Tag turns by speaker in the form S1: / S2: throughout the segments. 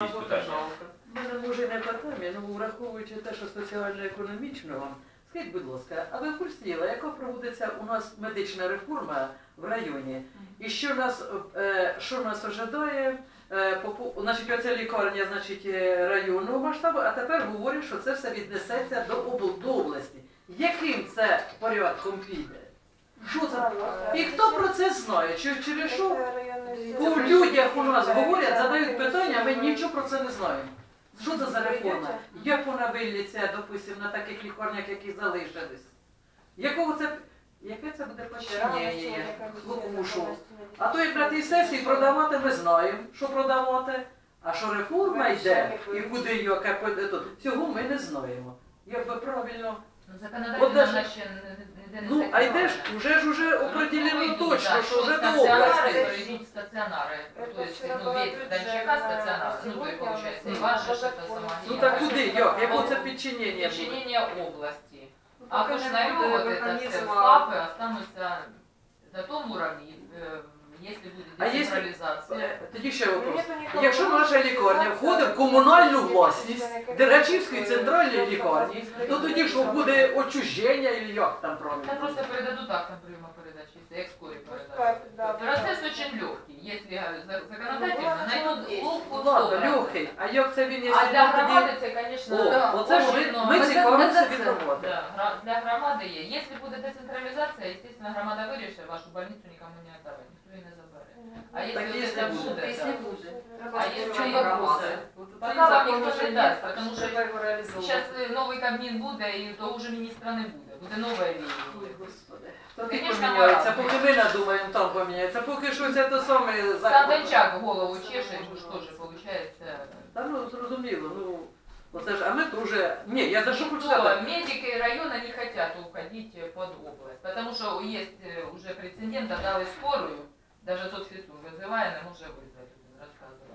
S1: якісь питання?
S2: У мене може не питання, але враховуючи те, що соціально-економічно вам, скажіть, будь ласка, а ви в курсі діла, яка проводиться у нас медична реформа в районі? І що нас ожидає? Значить, оця лікарня, значить, районного масштабу, а тепер говорять, що це все віднесеться до області. Яким це порядком піде? Що це? І хто про це знає? Через що у людях у нас говорять, задають питання, а ми нічого про це не знаємо. Що це за реформа? Як вона виліться, допустимо, на таких лікарнях, які залишились? Яке це буде починення? А то як на тій сесії продавати ми знаємо, що продавати, а що реформа йде і куди її, цього ми не знаємо. Якби правильно...
S3: Законодательно вона ще ніде не
S2: Ну, а йде ж, вже определено точно, що вже до області.
S3: Стаціонари, тобто, від Дончака стаціонар, ну, то, виходить, і ваше, що це сама.
S2: Ну так куди, як? Яке це підчинення?
S3: Підчинення області. А поштарювати це все ФАПи остануться на тому уровні, якщо буде децентралізація.
S2: Тоді ще вопрос. Якщо наша лікарня входить в комунальну власність Дергачівської центральної лікарні, то тоді що буде отчуження і як там
S3: Там
S2: правильно?
S3: просто передадут актом приема передачи, як скорі передадуть. Процесс очень легкий, если законодательно найдут ловку
S2: Ладно, легкий. А як це він, якщо
S3: А для
S2: він тоді...
S3: громади це, звісно,
S2: Оце ж ми цікавимося від громади.
S3: для громади є. Якщо буде децентралізація, звісно, громада вирішить, вашу больницю нікому не віддавати, ніхто її не забере. А
S2: Так,
S3: якщо це буде,
S4: Если буде.
S3: А якщо
S4: чому
S3: є
S4: вопроси?
S3: поки вам ніхто не дасть, тому що зараз новий Кабмін буде, і того вже міністра не буде. Буде нове
S2: Ой,
S3: війна.
S2: Господи. Тоді
S3: Конечно,
S2: поміняється,
S3: морально.
S2: поки ми надумаємо, там поміняється, поки щось це саме
S3: Сам
S2: закон.
S3: Дончак голову чеше, що ж теж виходить.
S2: Та ну, зрозуміло, ну, оце ж, а ми теж, ні, я за що хочу
S3: Что,
S2: сказати?
S3: медики района не хотят уходить под область, потому что есть уже прецедент, отдали скорую, даже соцфису вызывая, не может вызвать, рассказывала.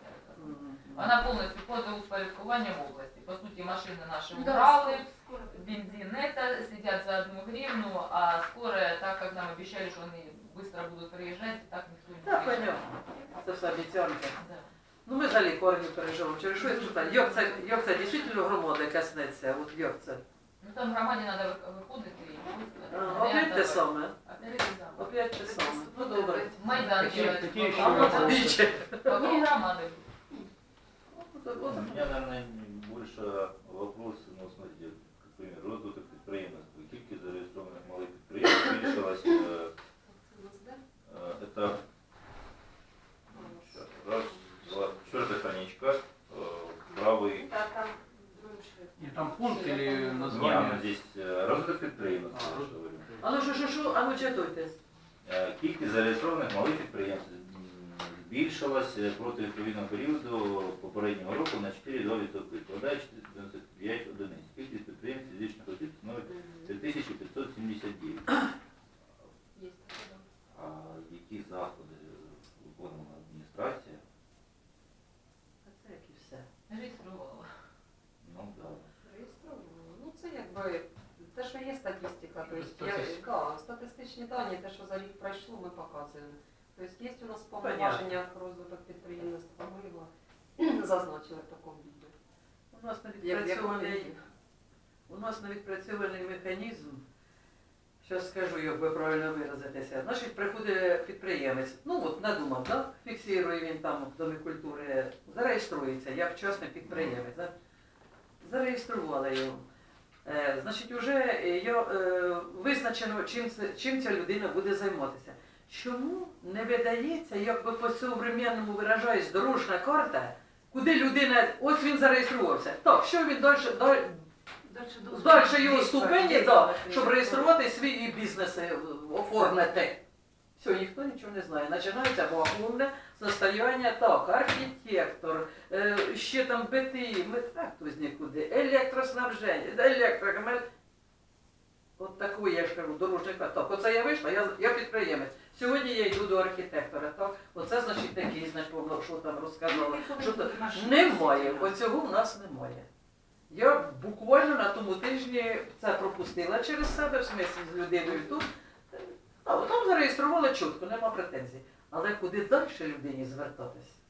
S3: Она полностью под упорядкованием области. По сути, машины наши убрали, бензин это, сидят за 1 гривну, а скорая, так как нам обещали, что они быстро будут приезжать, так никто не
S2: Так,
S3: приезжает.
S2: понятно, це все обіцянки.
S3: Да.
S2: Ну, ми за лікарню переживемо, через що я спитаю, як це дійсно громади коснеться, от як це?
S3: Ну там громаде надо выходить и...
S2: Опять те саме,
S3: Опять те самое.
S2: опять те саме, ну добре.
S3: Майдан делать.
S1: Какие еще
S2: А от
S1: вопросы?
S2: більше.
S3: Вокруг громады.
S1: У меня, наверное, больше вопрос, ну, смотрите, как пример, розвиток підприємництва. Кількість зареєстрованих малих підприємств збільшилась, это, сейчас, раз, два, 4-я страничка, правый,
S5: И там пункт или
S1: не,
S5: название?
S1: здесь розвиток підприємництва, я ж говорю.
S2: А ну що, а ну читуйте.
S1: Кількість зареєстрованих малих підприємств збільшилась проти відповідного періоду попереднього року на 4,2%, складає 95 одиниць. Кількість підприємств фізичних осіб становить 3579. А які заходи виконувала адміністрація?
S2: А це як і все.
S3: Реєструвала.
S1: Ну, да.
S4: Ну це якби те, що є статистика,
S5: Статистика.
S4: статистичні дані, те, що за рік пройшло, ми показуємо. Тобто є у нас повноваження про розвиток підприємництва, ми його зазначили в такому відео.
S2: У нас не відпрацьований механізм, зараз скажу, як би правильно виразитися. Значить, приходить підприємець, ну от надумав, да? Фіксує він там в Домі культури, зареєструється як частний підприємець. Да? Зареєстрували його. Значить, вже визначено, чим ця людина буде займатися. Чому не видається, як би по-современному виражаюсь, дорожна карта, куди людина, ось він зареєструвався. Так, що він далі його ступені, да, щоб реєструвати свій бізнес, оформити. Все, ніхто нічого не знає. Починається вакуумне состояння, так, архітектор, ще там БТІ, хто з нікуди, електроснабження, електрокамель. От таку, я ж кажу, дорожника. Так, оце я вийшла, я підприємець. Сьогодні я йду до архітектора, так, оце значить такий, що там розказала. Немає, оцього в нас немає. Я буквально на тому тижні це пропустила через себе, в смислі з людиною тут. Там зареєстрували чітко, нема претензій. Але куди далі людині звертатись?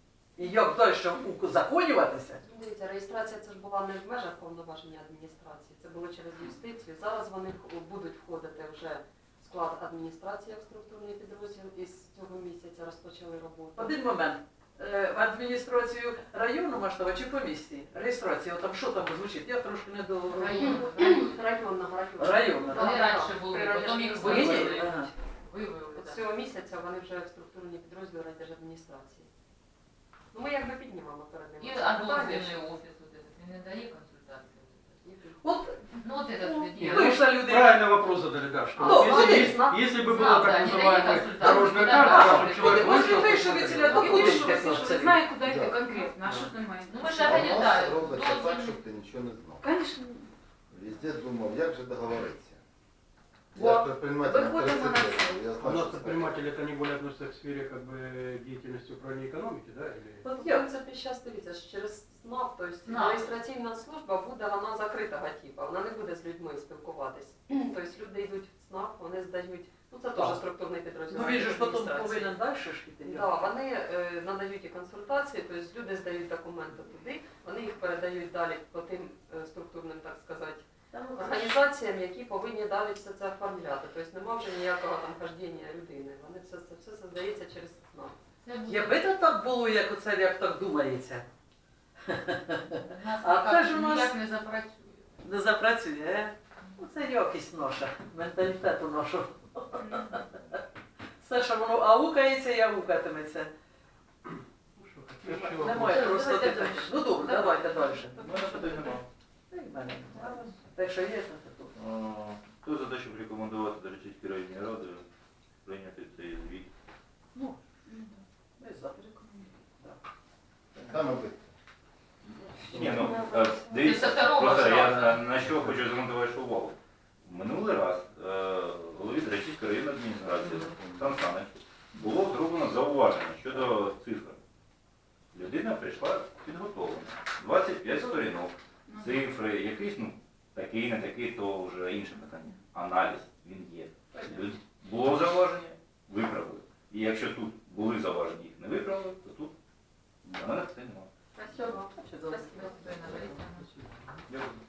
S2: І як далі узаконюватися?
S4: Дивіться, реєстрація це ж була не в межах повноваження адміністрації, це було через юстицію. Зараз вони будуть входити вже в склад адміністрації як структурний підрозділ і з цього місяця розпочали роботу.
S2: Один момент. В адміністрацію району масштаба чи по місті? Реєстрація, там що там звучить? Я трошки не до...
S4: Районного.
S2: Районна,
S3: Вони
S2: так?
S3: раніше були,
S4: При
S3: потім їх
S4: радіостанції.
S3: вивели.
S2: Ага.
S3: Вивели,
S4: От
S3: да.
S4: цього місяця вони вже в структурні підрозділи райдержадміністрації. Ну ми якби піднімемо перед ними.
S3: І
S4: це питання,
S3: адміністративний офіс, вот этот, він не дає консультації.
S2: От,
S3: Ну, от этот
S5: Нет,
S3: где?
S2: ну, що люди...
S5: Правильный вопрос задали, да, что
S2: Ну,
S5: если,
S2: конечно.
S5: если бы
S3: Знал,
S5: была
S3: да,
S5: так
S3: не дает
S5: называемая
S3: консультаций,
S5: дорожная
S3: да,
S5: карта,
S3: да,
S5: чтобы
S3: да.
S5: человек
S2: Вот
S5: вышел,
S2: вы что,
S5: посмотрел.
S2: ведь
S6: Ну,
S2: куди
S6: що
S2: йти,
S6: ви
S2: хлопці?
S6: знає, куди йти
S5: Да.
S6: конкретно, а що немає.
S3: Ну, ми ж
S6: Конечно.
S3: організаємо.
S7: У нас робиться так,
S3: Дозвіл.
S7: щоб ти нічого не знав.
S6: Конечно.
S7: Везде думав, як же договоритися.
S6: Во,
S7: Я ж предприниматель
S6: виходимо на
S7: 30
S6: це.
S7: років, я
S5: У
S7: знаю,
S5: нас
S7: що це.
S5: предприниматели это не более относятся к сфере как бы деятельности управления экономики, да? Или...
S2: От
S4: В
S2: я...
S4: принципі, зараз дивіться, що через СНАП, тобто
S3: СНАП.
S4: реєстраційна служба буде вона закритого типу, вона не буде з людьми спілкуватись. Тобто люди йдуть в СНАП, вони здають, ну це теж
S2: Так.
S4: структурний підрозділ.
S2: Ну він же ж потім
S4: адміністрації.
S2: повинен далі ж піти.
S4: Да, вони надають і консультації, тобто люди здають документи туди, вони їх передають далі по тим структурним, так сказати, організаціям, які повинні далі все це оформляти. Тобто нема вже ніякого там хождіння людини. Вони все здається через СНАП.
S3: Це буде.
S2: Якби то так було, як оце, як так думається,
S3: Нас
S2: А
S3: ніяк-
S2: це ж у нас-
S3: ніяк не запрацює.
S2: не запрацює, е? Ну це якість наша, менталітету нашого. Все, що воно аукається і аукатиметься.
S5: Ну, что, какие еще
S2: Немає
S5: вопросы?
S2: просто
S3: Давайте
S2: питань.
S3: дальше.
S2: Ну добре, давайте далі.
S1: У мене питань немає.
S2: Та й в мене немає. Те, що є, то тут.
S1: Хто за те, щоб рекомендувати Дорочиській районній раді прийняти цей звіт?
S2: Ну, ми за.
S7: Саме ви.
S1: Ні, ну, дивіться,
S3: Це второго
S1: просто я
S3: шансу.
S1: на що хочу звернути вашу увагу. Минулий раз голові Дорочиської районної адміністрації Сан Санич було зроблено зауваження щодо цифр. Людина прийшла підготовлена. 25 сторінок, цифри, якийсь, ну, такий, не такий, то вже інше питання. Аналіз, він є. Було зауваження, виправили. І якщо тут були зауваження, їх не виправили, то тут на мене питань немає.
S3: Спасибо.
S2: Спасибо.
S3: Спасибо, Ірина Борисівна.
S1: Дякую.